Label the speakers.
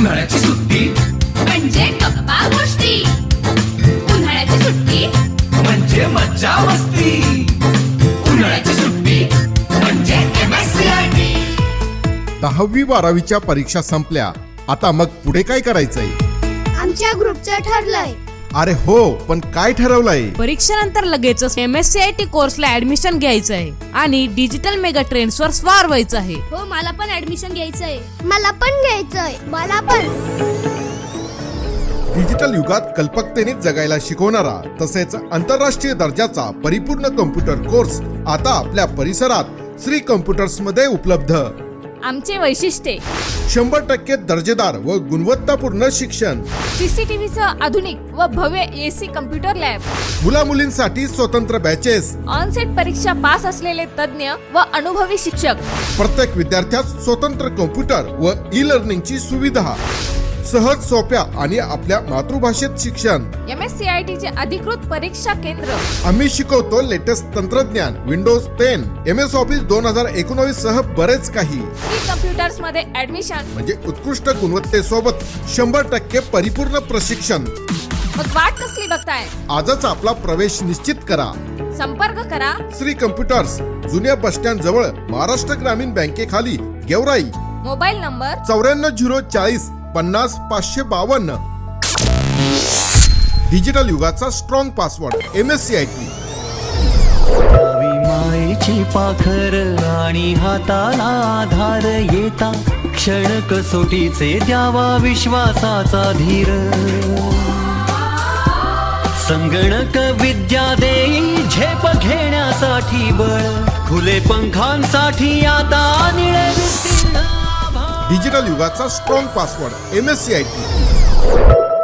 Speaker 1: उन्हाळ्याची सुट्टी
Speaker 2: म्हणजे गप्पा गोष्टी, उन्हाळ्याची सुट्टी
Speaker 1: म्हणजे मज्जा मस्ती, उन्हाळ्याची सुट्टी म्हणजे MSCIT.
Speaker 3: 10वी 12वीच्या परीक्षा संपल्या, आता मग पुढे काय करायचंय?
Speaker 4: आमच्या ग्रुपचं ठरलंय.
Speaker 3: अरे हो, पण काय ठरवलंय?
Speaker 5: परीक्षेनंतर लगेचच MSCIT कोर्सला ऍडमिशन घ्यायचं आहे आणि डिजिटल मेगा ट्रेंड्स वर स्वार व्हायचं आहे.
Speaker 4: हो, मला पण ऍडमिशन घ्यायचंय. मला पण घ्यायचंय. मला पण.
Speaker 3: डिजिटल युगात कल्पकतेने जगायला शिकवणारा तसेच आंतरराष्ट्रीय दर्जाचा परिपूर्ण कम्प्युटर कोर्स आता आपल्या परिसरात श्री कम्प्युटर्स मध्ये उपलब्ध.
Speaker 5: आमचे वैशिष्ट्ये:
Speaker 3: 100% दर्जेदार व गुणवत्तापूर्ण शिक्षण,
Speaker 5: CCTV सह आधुनिक व भव्य AC कम्प्युटर लॅब,
Speaker 3: मुला मुलींसाठी स्वतंत्र बॅचेस,
Speaker 5: ऑनसेट परीक्षा पास असलेले तज्ञ व अनुभवी शिक्षक,
Speaker 3: प्रत्येक विद्यार्थ्यास स्वतंत्र कम्प्युटर व ई लर्निंगची सुविधा, सहज सोप्या आणि आपल्या मातृभाषेत शिक्षण.
Speaker 5: MSCIT चे अधिकृत परीक्षा केंद्र.
Speaker 3: आम्ही शिकवतो लेटेस्ट तंत्रज्ञान, विंडोज 10, MS ऑफिस 2019 सह बरेच काही.
Speaker 5: श्री कम्प्युटर्स मध्ये ऍडमिशन
Speaker 3: म्हणजे उत्कृष्ट गुणवत्तेसोबत 100% परिपूर्ण प्रशिक्षण.
Speaker 5: मग वाट कसली बघताय?
Speaker 3: आजच आपला प्रवेश निश्चित करा.
Speaker 5: संपर्क करा
Speaker 3: श्री कम्प्युटर्स, जुन्या बस स्टँड जवळ, महाराष्ट्र ग्रामीण बँकेखाली, गेवराई.
Speaker 5: Mobile number
Speaker 3: 94 040 50 552. डिजिटल युगाचा स्ट्रॉंग पासवर्ड MSCIT.
Speaker 6: मायेची पाखर आणि हाताला आधार येता, क्षण कसोटीचे द्यावा विश्वासाचा धीर. संगणक विद्या देई झेप घेण्यासाठी बळ, खुले पंखांसाठी आता निळे विस्तीर्ण.
Speaker 3: डिजिटल युगाचा स्ट्रॉंग पासवर्ड MSCIT.